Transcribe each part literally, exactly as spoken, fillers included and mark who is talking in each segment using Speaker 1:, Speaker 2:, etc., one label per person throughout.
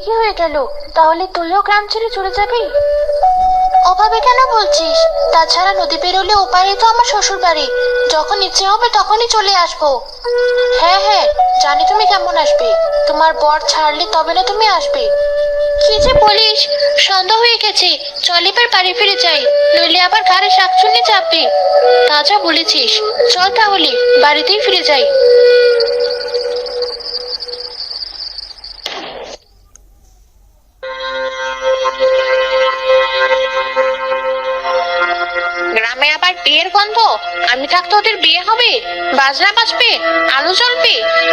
Speaker 1: কি হয়ে গেল? তাহলে তুইও গ্রাম ছেড়ে চলে যাবি? ওভাবে কেন বলছিস? তাছাড়া নদী পেরোলে ওপারে তো আমার শ্বশুর বাড়ি। যখন ইচ্ছে হবে তখনই চলে আসবো। হ্যাঁ হ্যাঁ, জানি তুমি কেমন আসবে। তোমার বর ছাড়লে তবে না তুমি আসবে। কি যে বলিস, সন্ধ্যা হয়ে গেছে। চল এবার বাড়ি ফিরে যাই, নইলে আবার ঘাড়ে শাকচুন্নি চাপবে। তা যা বলেছিস, চল তাহলে বাড়িতেই ফিরে যাই। গ্রামে আবার বিয়ের গন্ধ। আমি থাকতে ওদের বিয়ে হবে, বাজনা বাজবে, আলো জ্বলবে।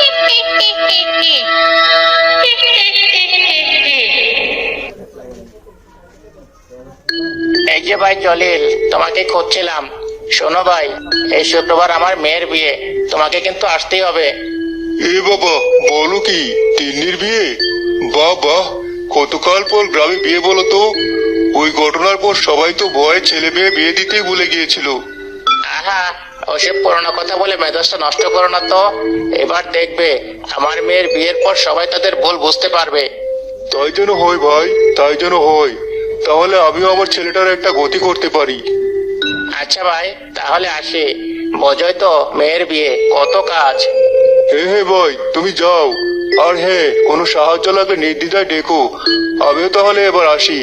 Speaker 2: এই যে ভাই জলিল, তোমাকে খুঁজছিলাম। শোনো ভাই, এই শুক্রবার আমার মেয়ের বিয়ে, তোমাকে কিন্তু আসতেই হবে।
Speaker 3: এ বাবা, বলো কি, তিন্নির বিয়ে? বাহ বাহ, কতকাল পর গ্রামে বিয়ে বলো তো। ওই ঘটনার পর সবাই তো ভয়ে ছেলে মেয়ে বিয়ে দিতেই ভুলে গিয়েছিল।
Speaker 2: আহা, ওসব পুরোনো কথা বলে মেজাজটা নষ্ট করো না তো। এবার দেখবে আমার মেয়ের বিয়ের পর সবাই তাদের ভুল বুঝতে পারবে।
Speaker 3: তাই যেন হয় ভাই, তাই যেন হয়। তাহলে আমিও আমার ছেলেটার একটা গতি করতে পারি।
Speaker 2: আচ্ছা ভাই, তাহলে আসি। বোঝোই তো মেয়ের বিয়ে কত কাজ।
Speaker 3: হ্যাঁ হ্যাঁ ভাই, তুমি যাও। আর হ্যাঁ, কোনো সাহায্য লাগলে নির্দ্বিধায় ডেকো। আমিও তাহলে এবার আসি।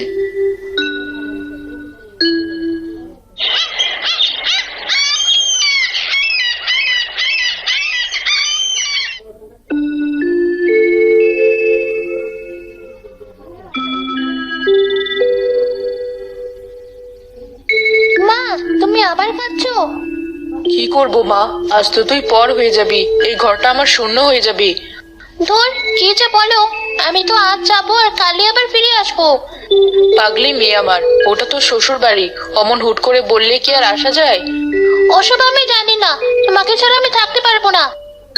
Speaker 1: মা, তুমি আবার কাঁদছো?
Speaker 4: কি করব মা, আজ তো তুই পর হয়ে যাবি, এই ঘরটা আমার শূন্য হয়ে যাবে।
Speaker 1: ধর, কি যে বলো। আমি তো আজ যাবো আর কালই আবার ফিরে আসবো।
Speaker 4: পাগলি মেয়ে আমার, ওটা তো শ্বশুর বাড়ি, অমন হুট করে বললে কি আর আসা যায়?
Speaker 1: ওসব আমি জানি না, তোমাকে ছাড়া আমি থাকতে পারবো না।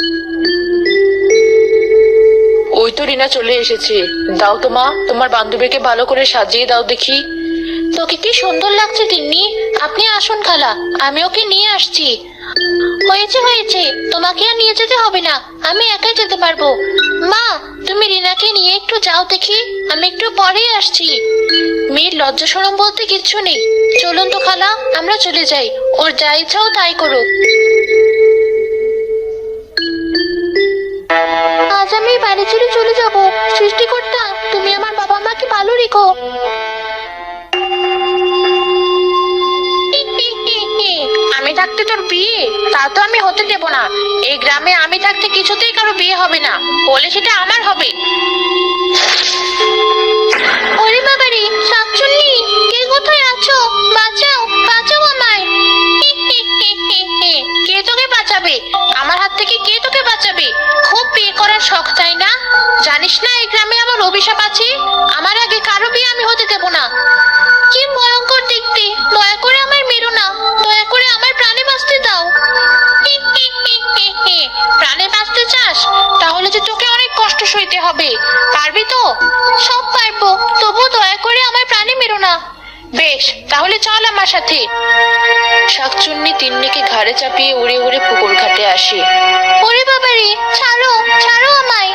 Speaker 4: ওই তো রিনা চলে এসেছে। দাও তো মা, তোমার বান্ধবীকে ভালো করে সাজিয়ে দাও দেখি।
Speaker 1: তোকে কি সুন্দর লাগছে তিন্নি। আপনি আসুন খালা, আমি ওকে নিয়ে আসছি। হয়েছে হয়েছে, তোমাকে আর নিয়ে যেতে হবে না, আমি একাই যেতে পারবো। মা, তুমি রিনাকে নিয়ে একটু যাও দেখি, আমি একটু পরেই আসছি। মেয়ের লজ্জা শরম বলতে কিচ্ছু নেই। চলুন তো খালা, আমরা চলে যাই। ওর যা ইচ্ছাও তাই করুক। আজ আমি বাড়ি ছেড়ে চলে যাব। সৃষ্টিকর্তা, তুমি আমার বাবা মাকে ভালো রেখো। আমি থাকতে তোর বিয়ে, তা তো আমি হতে দেব না। এই গ্রামে আমি থাকতে কিছুতেই কারো বিয়ে হবে না, হলে সেটা আমার হবে। ওরে বাবারে, শাকচুন্নি, কে কোথায় আছো? বাঁচাও, বাঁচাও আমায়। কে তোকে বাঁচাবে? আমার হাত থেকে কে তোকে বাঁচাবে? খুব বিয়ে করার শখ, তাই না? জানিস না এই গ্রামে আমার অভিশাপ আছে, আমার আগে কারো বিয়ে আমি হতে দেব না। কি ভয়ঙ্কর দেখতে, দয়া করে আমায় মেরো না, দয়া করে আমার প্রাণে বাঁচতে দাও। প্রাণে বাঁচতে চাস? তাহলে যে তোকে অনেক কষ্ট সইতে হবে। পারবি তো? সব পারবো, তবু দয়া করে আমার প্রাণে মেরো না। বেশ, তাহলে চল আমার সাথে।
Speaker 4: শাকচুন্নি তিন্নিকে ঘাড়ে চাপিয়ে উড়ে উড়ে পুকুর ঘাটে আসে।
Speaker 1: ওরে বাবারে, ছাড়ো, ছাড়ো আমায়।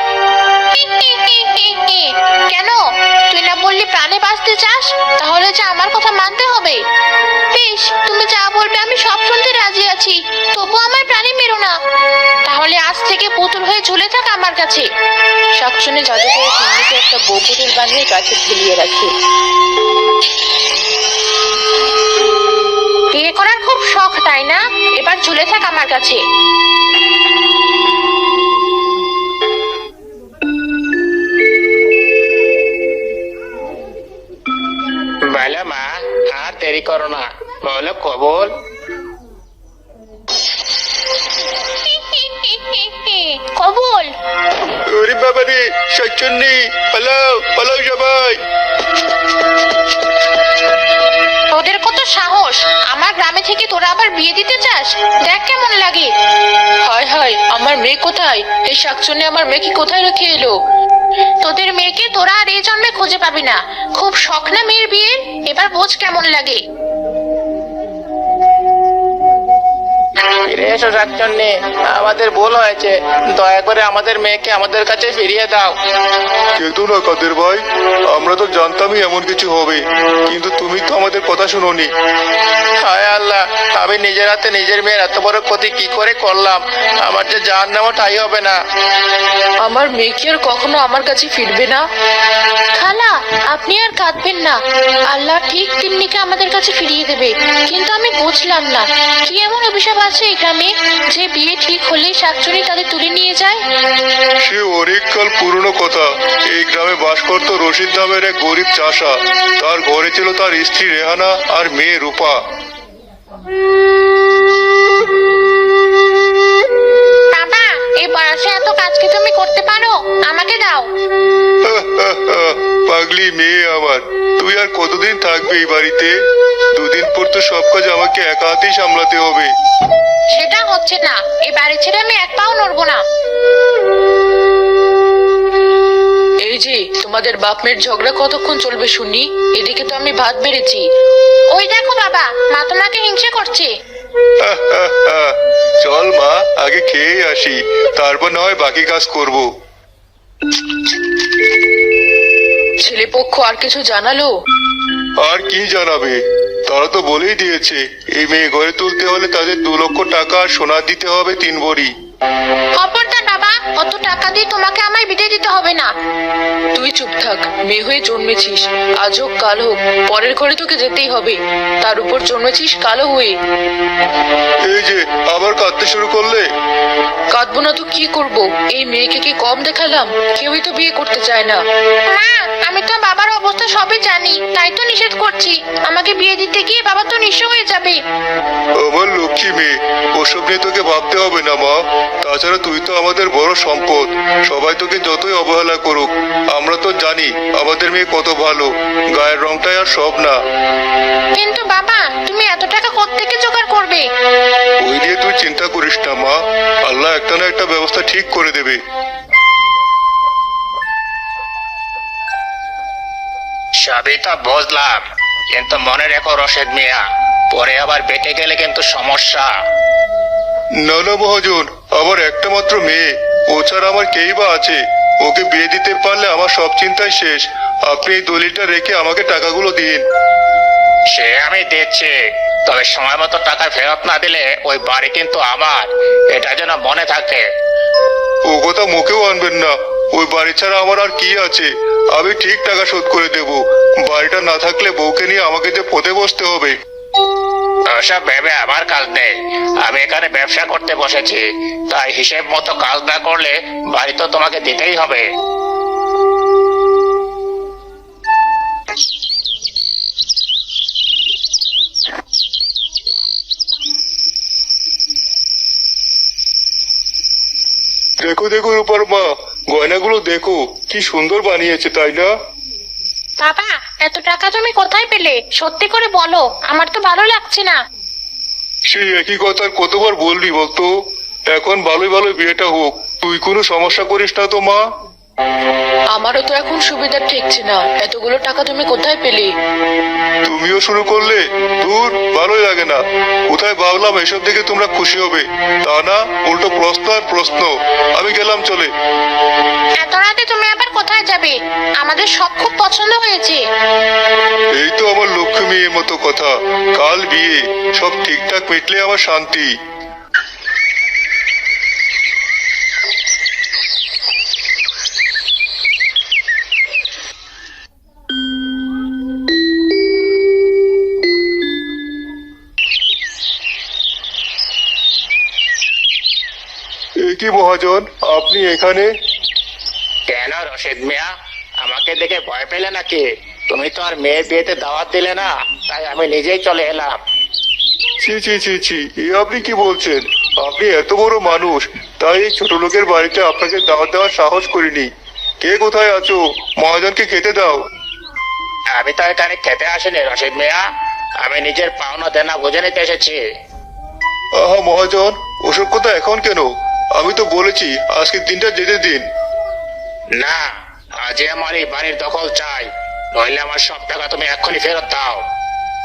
Speaker 1: কেন? তুই না বললি প্রাণে বাঁচতে চাস? তাহলে যে আমার কথা মানতে হবে। বেশ, তুমি যা বলবে আমি সব শুনতে রাজি আছি, তবু আমার প্রাণে মেরো না। তাহলে আজ থেকে পুতুল হয়ে ঝুলে থাক আমার কাছে।
Speaker 4: শাকচুন্নি জাদু করে তিন্নিকে একটা বউ পুতুল বানিয়ে গাছে ঝুলিয়ে রাখে।
Speaker 1: বিয়ে করার খুব শখ, তাই না? এবার ঝুলে থাক আমার কাছে।
Speaker 2: বলো মা, আর দেরি করো না, বলো কবুল।
Speaker 1: কবুল।
Speaker 3: ওরে বাবা রে, শাকচুন্নি, পালাও পালাও সবাই।
Speaker 1: তোদের কত সাহস, আমার গ্রামে থেকে তোরা আবার বিয়ে দিতে চাস? দেখ কেমন লাগে।
Speaker 4: হায় হায়, আমার মেয়ে কোথায়? এই শাকচুন্নি আমার মেয়েকে কোথায় রেখে এলো?
Speaker 1: তোদের মেয়েকে তোরা আর এই জন্মে খুঁজে পাবি না। খুব শখ না মেয়ের বিয়ে, এবার বোঝ কেমন লাগে।
Speaker 2: ফিরে এসো শাকচন্নি, আমাদের ভুল হয়েছে, দয়া করে আমাদের মেয়েকে আমাদের কাছে ফিরিয়ে দাও।
Speaker 3: কেতো না কাদের ভাই, আমরা তো জানতামই এমন কিছু হবে, কিন্তু তুমি তো আমাদের কথা শুনোনি।
Speaker 2: হায় আল্লাহ, আমি নিজের হাতে নিজের মেয়ের এত বড় ক্ষতি কি করে করলাম? আমার যে জান নামও ঠাই হবে না।
Speaker 4: আমার মেয়ে কি আর কখনো আমার কাছে ফিরবে না?
Speaker 1: খালা, আপনি আর কাঁদবেন না, আল্লাহ ঠিক তিন্নিকে আমাদের কাছে ফিরিয়ে দেবে। কিন্তু আমি বুঝলাম না, কি এমন অভিশাপ আছে এই গ্রামে যে বিয়ে ঠিক হলেই শাকচুরি তাদের তুলে নিয়ে যায়?
Speaker 3: সে অনেককাল পুরনো কথা। এই গ্রামে বাস করত রশিদ নামের এক গরিব চাষা। তার ঘরে ছিল তার স্ত্রী রেহানা আর মেয়ে রূপা।
Speaker 1: বাবা, এই বয়সে এত কাজ কি তুমি করতে পারো? আমাকে দাও।
Speaker 3: পাগলি মেয়ে আমার, তুই আর কতদিন থাকবে এই বাড়িতে? দুদিন পর তো সব কাজ আমাকে একা হাতেই সামলাতে হবে।
Speaker 1: সেটা হচ্ছে না, এই বাড়ি ছেড়ে আমি এক পাও নড়বো না।
Speaker 4: এই যে তোমাদের বাপ মেয়ের ঝগড়া কতক্ষণ চলবে শুনি? এদিকে তো আমি ভাত বেড়েছি।
Speaker 1: ওই দেখো বাবা, মা তোমাকে হিংসে করছে।
Speaker 3: চল মা, আগে খেয়ে আসি, তারপর না হয় বাকি কাজ করব।
Speaker 4: ছেলেপক্ষ আর কিছু জানালো?
Speaker 3: আর কি জানাবে, তারা তো বলেই দিয়েছে এই মেয়ে ঘরে তুলতে হলে তাদের দু লক্ষ টাকা আর সোনা দিতে হবে তিন ভরি।
Speaker 1: খবরদার বাবা, অত টাকা দিয়ে তোমাকে আমায় বিদায় দিতে হবে না।
Speaker 4: তুই চুপ থাক, মেয়ে হয়ে জন্মেছিস, আজ হোক কাল হোক পরের ঘরে তোকে যেতেই হবে, তার উপর জন্মেছিস কালো হয়ে।
Speaker 3: এই যে আবার কাঁদতে শুরু করলে।
Speaker 4: কাঁদবো না তো কি করব? এই মেয়েকে কি কম দেখালাম? কেউই তো বিয়ে করতে চায় না।
Speaker 1: মা, আমি তো বাবার অবস্থা সবই জানি, তাই তো নিষেধ করছি। আমাকে বিয়ে দিতে গিয়ে বাবা তো নিঃস্ব হয়ে যাবে।
Speaker 3: আমার লক্ষ্মী মেয়ে, ওসব নিয়ে তোকে ভাবতে হবে না মা। তাছাড়া তুই তো আমাদের বড় সম্পদ। সবাই তোকে যতই অবহেলা করুক, আমরা তো জানি আমাদের মেয়ে কত ভালো। গায়ের রংটাই আর সব না।
Speaker 1: কিন্তু বাবা, তুমি এত টাকা কোত্থেকে জোগাড় করবে?
Speaker 3: ওই নিয়ে তুই চিন্তা করিস না মা, আল্লাহ একটা না একটা ব্যবস্থা ঠিক করে দেবে।
Speaker 2: সবই তো বুঝলাম, কিন্তু মনে রেখো রশেদ মিয়া, পরে আবার বেঁচে গেলে কিন্তু সমস্যা।
Speaker 3: না না মহাজন, আমার একটা মাত্র মেয়ে, ও ছাড়া আমার কেই বা আছে? ওকে বিয়ে দিতে পারলে আমার সব চিন্তাই শেষ। আপনি এই দলিলটা রেখে আমাকে টাকাগুলো দিন।
Speaker 2: সে আমি দিচ্ছি, তবে সময় মতো টাকা ফেরত না দিলে ওই বাড়ি কিন্তু আমার, এটা যেন মনে থাকে।
Speaker 3: ও কথা মুখেও আনবেন না। ওই বাড়ি ছাড়া আমার আর কি আছে? আমি ঠিক টাকা শোধ করে দেব। বাড়িটা না থাকলে বউকে নিয়ে আমাকে যে পথে বসতে হবে।
Speaker 2: ওসব ভেবে আমার কাজ নেই, আমি এখানে ব্যবসা করতে বসেছি, তাই হিসেব মতো কাজ না করলে বাড়ি তো তোমাকে দিতেই হবে।
Speaker 3: দেখো দেখো রূপার মা, গয়নাগুলো দেখো কি সুন্দর বানিয়েছে, তাই না?
Speaker 1: বাবা, এত টাকা তুমি কোথায় পেলে? সত্যি করে বলো, আমার তো ভালো লাগছে না।
Speaker 3: সেই একই কথা আর কতবার বলবি বলতো? এখন ভালোই ভালো বিয়েটা হোক, তুই কোনো সমস্যা করিস না তো মা।
Speaker 4: আমারও তো এখন সুবিধা ঠেকছে না, এতগুলো টাকা তুমি কোথায় পেলে?
Speaker 3: তুমিও শুরু করলে? দূর, ভালোই লাগে না। কোথায় ভাবলাম এসব দেখে তোমরা খুশি হবে, তা না উল্টো প্রশ্ন আর প্রশ্ন। আমি গেলাম চলে।
Speaker 1: এত রাতে তুমি আবার কোথায় যাবে? আমাদের সব খুব পছন্দ হয়েছে।
Speaker 3: এই তো আমার লক্ষ্মী মেয়ের মতো কথা, কাল বিয়ে, সব ঠিকঠাক মিটলে আমার শান্তি। এ কি মহাজন, আপনি এখানে?
Speaker 2: কেন রশিদ মিয়া, আমাকে দেখে ভয় পেলে নাকি? তুমি তো আর মেয়ের বিয়েতে দাওয়াত দিলে না, তাই আমি নিজেই চলে এলাম।
Speaker 3: ছি ছি ছি ছি, এ আপনি কি বলছেন? আপনি এত বড় মানুষ, তাই এই ছোট লোকের বাড়িতে আপনাকে দাওয়াত দেওয়ার সাহস করিনি। কে কোথায় আছো? মহাজনকে খেতে দাও।
Speaker 2: আমি তো এখানে খেতে আসিনি রশিদ মিয়া, আমি নিজের পাওনা দেনা বুঝে নিতে এসেছি।
Speaker 3: আহা মহাজন, ওসব কথা এখন কেন? আমি তো বলেছি আজকের দিনটা যেতে দিন।
Speaker 2: না, আজই আমার এই বাড়ির দখল চাই, নইলে আমার সব টাকা তুমি এক্ষুনি ফেরত দাও।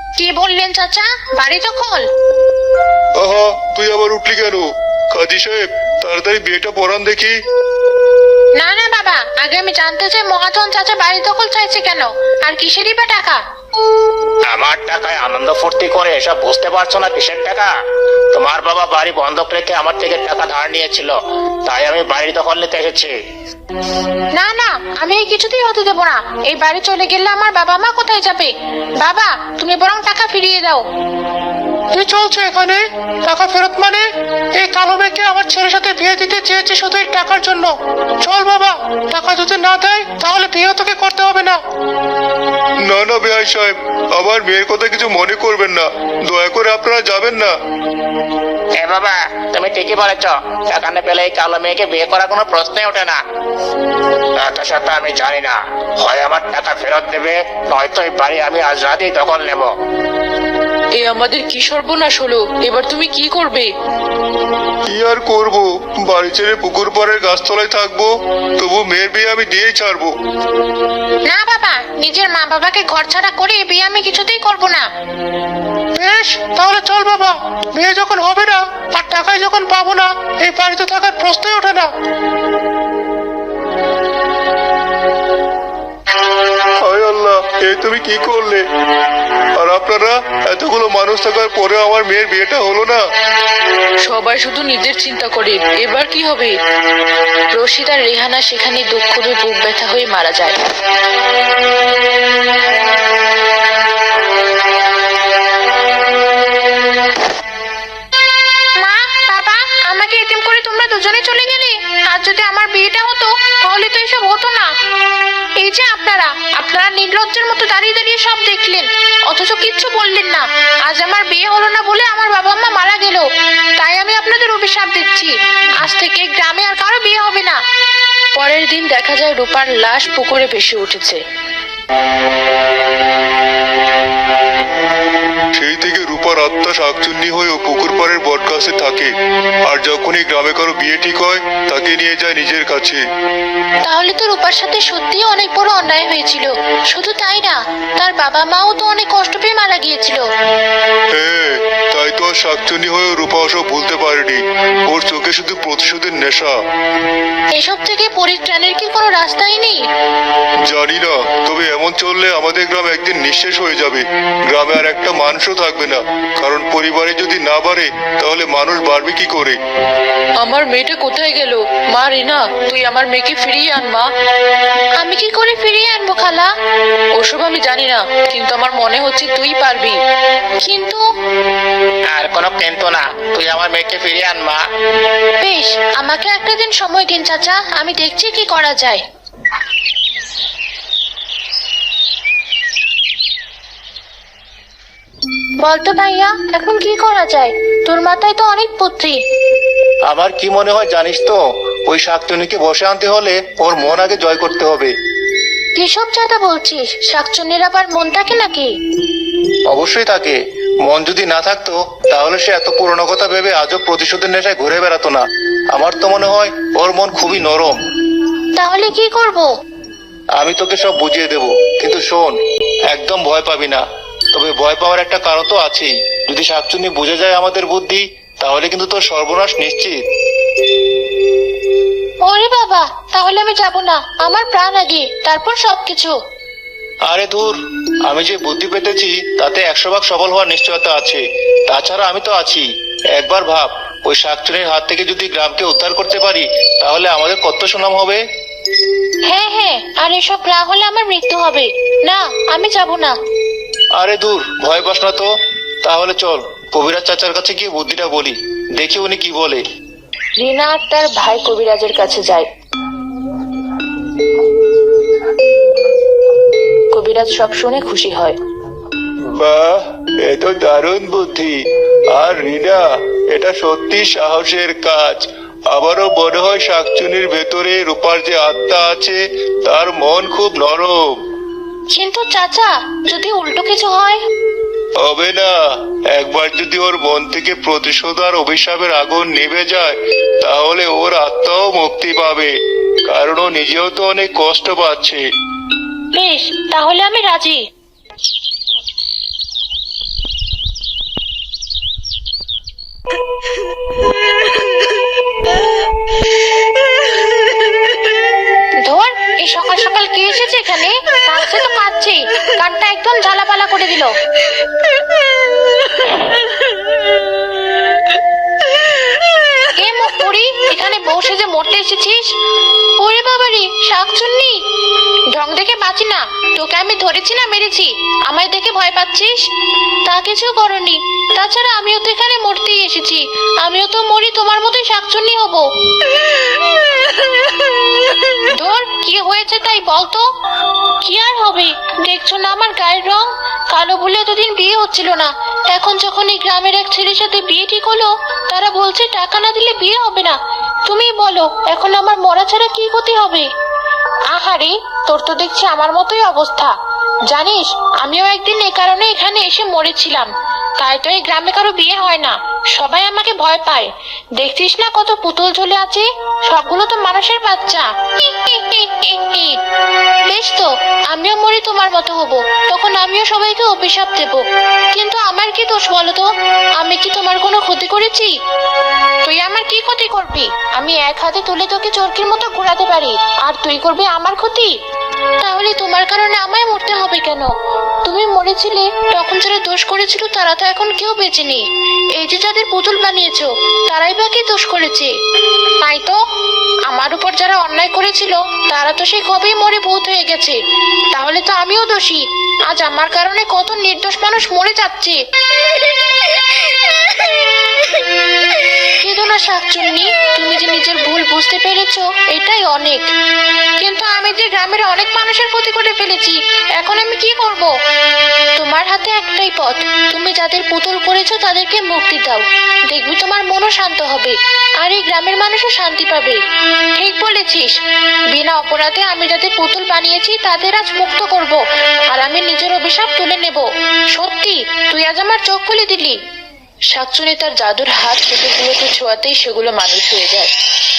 Speaker 1: কি বললেন চাচা, বাড়ি দখল?
Speaker 3: আহা, তুই আবার উঠলি কেন? কাজী সাহেব, তাড়াতাড়ি বিয়েটা পড়ান দেখি।
Speaker 1: না না বাবা, আগে আমি জানতে চাই মহাজন চাচা বাড়ি দখল চাইছে কেন, আর কিসেরই বা টাকা?
Speaker 2: আমার টাকায় আনন্দ ফুর্তি করে এসব বুঝতে পারছো না কিসের টাকা? তোমার বাবা বাড়ি বন্ধক রেখে আমার থেকে টাকা ধার নিয়েছিল, তাই আমি বাড়ি দখল নিতে এসেছি।
Speaker 1: না না, আমি এই কিছুতেই হতে দেবো না। এই বাড়ি চলে গেলে আমার বাবা মা কোথায় যাবে? বাবা, তুমি বরং টাকা ফিরিয়ে দাও।
Speaker 5: কি চলছে এখানে? টাকা ফেরত মানে? এই কালো মেয়েকে আমার ছেলের সাথে বিয়ে দিতে চেয়েছে শুধু এই টাকার জন্য। চল বাবা, টাকা যদি না দেয় তাহলে বিয়ে তোকে করতে হবে না।
Speaker 3: না না বেআই সাহেব, আমার মেয়ের কথা কিছু মনে করবেন না, দয়া করে আপনারা যাবেন না।
Speaker 2: এ বাবা, তুমি ঠিকই বলেছ, টাকা না পেলে এই কালো মেয়েকে বিয়ে করার কোনো প্রশ্নই ওঠে না। এত সাথে আমি জানি না, হয় আমার টাকা ফেরত দেবে, নয়তো এই বাড়ি আমি আজ রাতেই দখল নেব।
Speaker 4: এ আমাদের কি সর্বনাশ হলো, এবার তুমি কি করবে?
Speaker 3: কি আর করব, বাড়ি ছেড়ে পুকুর পাড়ের গাছতলায় থাকবো, তবু মেয়ের বিয়ে আমি দিয়েই ছাড়বো।
Speaker 1: না বাবা, নিজের মা বাবাকে ঘর ছাড়া করে এ বিয়ে আমি কিছুতেই করব না।
Speaker 5: বেশ, তাহলে চল বাবা। বিয়ে যখন হবে না আর টাকায় যখন পাবো না, এই বাড়িতে থাকার প্রশ্নই ওঠে না।
Speaker 3: হায় আল্লাহ, এ তুমি কি করলে? আর আপনারা এতগুলো মানুষ থাকার পরে আমার মেয়ের বিয়েটা হলো না।
Speaker 4: সবাই শুধু নিজের চিন্তা করে, এবার কি হবে? রশিদ আর রেহানা সেখানে দুঃখ করে বুক ব্যথা হয়ে মারা যায়।
Speaker 1: মা, বাবা, আমাকে এতিম করে তোমরা দুজনে চলে গেলে। আর যদি আমার বিয়েটা হতো তাহলে তো এসব হতো না। এই যে আপনারা আপনারা নির্লজ্জের মতো দাঁড়িয়ে দাঁড়িয়ে সব দেখলেন, অথচ কিচ্ছু বললেন না। আজ আমার বিয়ে হলো না বলে আমার বাবা মা মারা গেল, তাই আমি আপনাদের অভিশাপ দিচ্ছি, আজ থেকে গ্রামে আর কারো বিয়ে হবে না।
Speaker 4: পরের দিন দেখা যায় রূপার লাশ পুকুরে ভেসে উঠেছে।
Speaker 3: সেই থেকে রূপার আত্মা শাকচুন্নি হয়ে পুকুর পাড়ের বটগাছে থাকে, আর যখনই গ্রামে কারো বিয়ে ঠিক হয় তাকে নিয়ে যায় নিজের কাছে।
Speaker 1: তাহলে তো রূপার সাথে সত্যিই অনেক বড় অন্যায় হয়েছিল। শুধু তাই না, তার বাবা মাও তো অনেক কষ্ট পেয়ে মারা গিয়েছিল।
Speaker 3: হ্যাঁ, তাই তো আর শাকচুন্নি হয়েও রূপা ওসব ভুলতে পারেনি। ওর চোখে শুধু প্রতিশোধের নেশা।
Speaker 1: এসব থেকে পরিত্রাণের কি কোনো রাস্তাই নেই?
Speaker 3: জানি না, তবে এমন চললে আমাদের গ্রাম একদিন নিঃশেষ হয়ে যাবে। গ্রামে আর একটা মানুষও থাকবে না, কারণ পরিবারে যদি না বাড়ে তাহলে মানুষ বাড়বে কি করে?
Speaker 4: আমার মেয়েটা কোথায় গেল? মা রিনা, তুই আমার মেয়েকে ফিরিয়ে আন মা।
Speaker 1: আমি কি করে ফিরিয়ে আনবো খালা?
Speaker 4: ওসব আমি জানি না, কিন্তু আমার মনে হচ্ছে তুই পারবি।
Speaker 1: কিন্তু
Speaker 2: আর কোনো কিন্তু না, তুই আমার মেয়েকে ফিরিয়ে আন মা।
Speaker 1: বেশ, আমাকে একটা দিন সময় দিন চাচা, আমি দেখছি কি করা যায়। বলতো ভাইয়া, এখন কি করা যায়? তোর মাথায় তো অনেক বুদ্ধি।
Speaker 2: আমার কি মনে হয় জানিস তো, ওই শাকচুনিকে বসে আনতে হলে ওর মন আগে জয় করতে হবে।
Speaker 1: কিসব চাঁদা বলছিস? শাকচুন্নির আবার মন থাকে নাকি?
Speaker 2: অবশ্যই থাকে। মন যদি না থাকতো তাহলে সে এত পুরনো কথা ভেবে আজও প্রতিশোধের নেশায় ঘুরে বেড়াতো না। আমার তো মনে হয় ওর মন খুবই নরম।
Speaker 1: তাহলে কি করব?
Speaker 2: আমি তোকে সব বুঝিয়ে দেব, কিন্তু শোন, একদম ভয় পাবি না। তবে ভয় পাওয়ার একটা কারণ তো আছেই। যদি শাকচুন্নি বুঝে যায় আমাদের বুদ্ধি, তাহলে কিন্তু তোর সর্বনাশ নিশ্চিত।
Speaker 1: ওরে বাবা, তাহলে আমি যাব না, আমার প্রাণ আগে, তারপর সবকিছু।
Speaker 2: আরে ধুর, আমি যে বুদ্ধি পেতেছি তাতে একশো ভাগ সফল হওয়ার নিশ্চয়তা আছে। তাছাড়া আমি তো আছি। একবার ভাব, ওই শাকচুনির হাত থেকে যদি গ্রামকে উদ্ধার করতে পারি তাহলে আমাদের কত সুনাম হবে।
Speaker 1: হ্যাঁ হ্যাঁ, আর এসব না হলে আমার মৃত্যু হবে। না, আমি যাব না।
Speaker 2: আরে দূর, ভয় পাস না তো। তাহলে চল কবিরাজ চাচার কাছে গিয়ে বুদ্ধিটা বলি, দেখি উনি কি বলে।
Speaker 4: রিনা আর তার ভাই কবিরাজের কাছে যায়। কবিরাজ সব শুনে খুশি হয়।
Speaker 3: বাহ, এ তো দারুণ বুদ্ধি। আর রিনা, এটা সত্যি সাহসের কাজ। আমারও মনে হয় শাকচুনির ভেতরে রূপার যে আত্মা আছে তার মন খুব নরম।
Speaker 1: কিন্তু চাচা, যদি উল্টো কিছু হয়?
Speaker 3: হবে না, একবার যদি ওর মন থেকে প্রতিশোধ আর অভিশাপের আগুন নিভে যায় তাহলে ওর আত্মাও মুক্তি পাবে, কারণ ও নিজেও তো অনেক কষ্ট পাচ্ছে।
Speaker 1: বেশ, তাহলে আমি রাজি। ধর, এই সকাল সকাল কে এসেছে এখানে? কাঁদছে তো কাঁদছে, কানটা একদম ঝালাপালা করে দিল। কে মুখ পুরি, এখানে বসে যে মরতে এসেছিস? ওরে বাবারে, শাকচুন্নি! ঢং দেখে বাঁচি না, তোকে আমি ধরেছি না মেরেছি? আমায় দেখে ভয় পাচ্ছিস? তা কিছু করনি। তাছাড়া আমিও তো এখানে মরতেই এসেছি, আমিও তো মরি তোমার মতোই শাকচুন্নি হব। ধর, কি হয়েছে তাই বলতো? কি আর হবে, দেখছো না আমার গায়ের রং? কালো বলে এতদিন বিয়ে হচ্ছিল না, এখন যখন এই গ্রামের এক ছেলের সাথে বিয়ে ঠিক হলো, তারা বলছে টাকা না দিলে বিয়ে হবে না। তুমি বলো, এখন আমার মরা ছাড়া কি ক্ষতি হবে? আহারে, তোর তো দেখছি আমার মতোই অবস্থা। জানিস, আমিও একদিন এ কারণে এখানে এসে মরেছিলাম, তাই তো এই গ্রামে কারো বিয়ে হয় না, সবাই আমাকে ভয় পায়। দেখছিস না কত পুতুল ঝুলে আছে, সবগুলো তো মানুষের বাচ্চা। বেশ তো, আমিও মরি তোমার মতো হব, তখন আমিও সবাইকে অভিশাপ দেব। কিন্তু আমার কি দোষ বলো তো? আমি কি তোমার কোনো ক্ষতি করেছি? তুই আমার কি ক্ষতি করবি? আমি এক হাতে তুলে তোকে চরকির মতো ঘোরাতে পারি, আর তুই করবি আমার ক্ষতি? তাহলে তোমার কারণে আমায় মরতে হবে কেন? তুমি মরেছিলে, তখন যারা দোষ করেছিল তারা তো এখন কেউ বেঁচে নেই। এই যে যাদের পুতুল বানিয়েছো, তারাই বা কি দোষ করেছে? তাই তো, আমার উপর যারা অন্যায় করেছিল তারা তো সে কবেই মরে ভূত হয়ে গেছে। তাহলে তো আমিও দোষী, আজ আমার কারণে কত নির্দোষ মানুষ মরে যাচ্ছে। কেঁদো না শাকচুন্নি, তুমি যে নিজের ভুল বুঝতে পেরেছো এটাই অনেক। কিন্তু আমি যে গ্রামের অনেক মানুষের ক্ষতি করে ফেলেছি, এখন আমি কি করব? তোমার হাতে একটাই পথ, তুমি যাদের পুতুল করেছো তাদেরকে মুক্তি দাও, দেখবি তোমার মনও শান্ত হবে, আর এই গ্রামের মানুষও শান্তি পাবে। ঠিক বলেছিস, বিনা অপরাধে আমি যাদের পুতুল বানিয়েছি তাদের আজ মুক্ত করব, আর আমি নিজের অভিশাপ তুলে নেব। সত্যি, তুই আজ আমার চোখ খুলে দিলি।
Speaker 4: শাকচুনি তার জাদুর হাত পুতুলগুলোকে ছোঁয়াতেই সেগুলো মানুষ হয়ে যায়।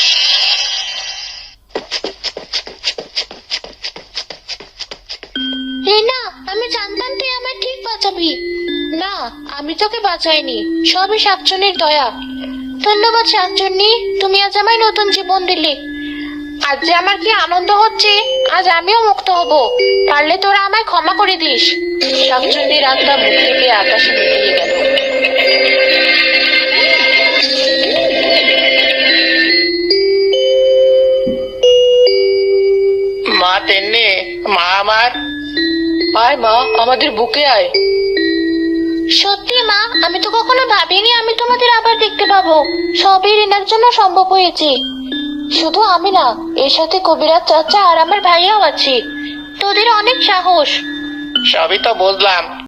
Speaker 1: এই না, আমি জানতাম তুই আমায় ঠিক বাঁচাবি। না, আমি তোকে বাঁচাইনি, সবই শাকচুন্নির দয়া। ধন্যবাদ শাকচুন্নি, তুমি আজ আমায় নতুন জীবন দিলে। আজ যে আমার কি আনন্দ হচ্ছে, আজ আমিও মুক্ত হব। পারলে তোরা আমায় ক্ষমা করে দিস।
Speaker 4: শাকচুন্নির আত্মা মুখ থেকে আকাশে মিলিয়ে গেল।
Speaker 2: মা তেন্নি, মা আমার।
Speaker 4: আয় মা, আমাদের বুকে আয়।
Speaker 1: সত্যি মা, আমি তো কখনো ভাবিনি আমি তোমাদের আবার দেখতে পাবো। সবই রিনার জন্য সম্ভব হয়েছে। শুধু আমি না, এর সাথে কবিরাজ চাচা আর আমার ভাইয়াও আছে। তোদের অনেক সাহস।
Speaker 2: সবই তো বুঝলাম,